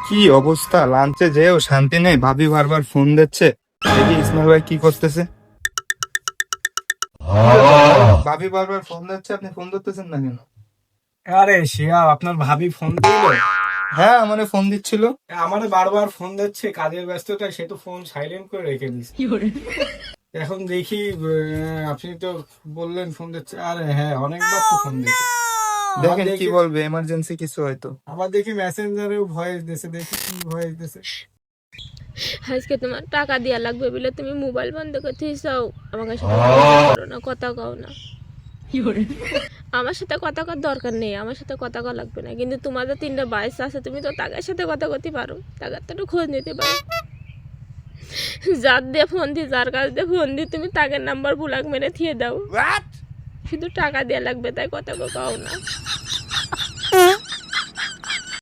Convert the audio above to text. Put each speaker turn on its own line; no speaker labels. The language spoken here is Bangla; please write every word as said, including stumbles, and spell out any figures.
কি অবস্থা, লাঞ্চে যেও শান্তি নেই, ভাবি বারবার ফোন দিচ্ছে। দেখি ইসমাইল ভাই কি করতেছে। কি ব্যাপার ভাই? ভাবি বারবার ফোন দিচ্ছে, আপনি ফোন ধরতেছেন না কেন?
আরে শিহাব, আপনার ভাবি ফোন দিল।
হ্যাঁ, আমারে ফোন দিচ্ছিল।
আমারে বারবার ফোন দিচ্ছে, কাজের ব্যস্ততায় সে তো ফোন সাইলেন্ট করে রেখে দিচ্ছে। এখন দেখি আহ, আপনি তো বললেন ফোন দিচ্ছে। আরে হ্যাঁ, অনেকবার তো ফোন দিচ্ছে। আবার
দেখেন কি
দেখি,
বলবে, এমার্জেন্সি কিছু হয়তো।
আবার দেখি মেসেঞ্জারেও ভয়েস দিছে, দেখি কি ভয়েস দিছে।
আজকে তোমার টাকা দেওয়া লাগবে বলে তুমি মোবাইল বন্ধ করতে চাও, আমার সাথে যোগাযোগ করো না, কথা কও না। আমার সাথে কথা কর দরকার নেই, আমার সাথে কথা কওয়া লাগবে না, কিন্তু তোমাদের তিনটা বাইশ আছে, তুমি তো তাদের সাথে কথা করতে পারো, তাদের তো একটু খোঁজ নিতে পারো। যার দিয়ে ফোন দি, যার কাছ দিয়ে ফোন দি, তুমি তাদের নাম্বার ব্লক মেরে থিয়ে দাও। শুধু টাকা দেওয়া লাগবে, তাই কথা কও না।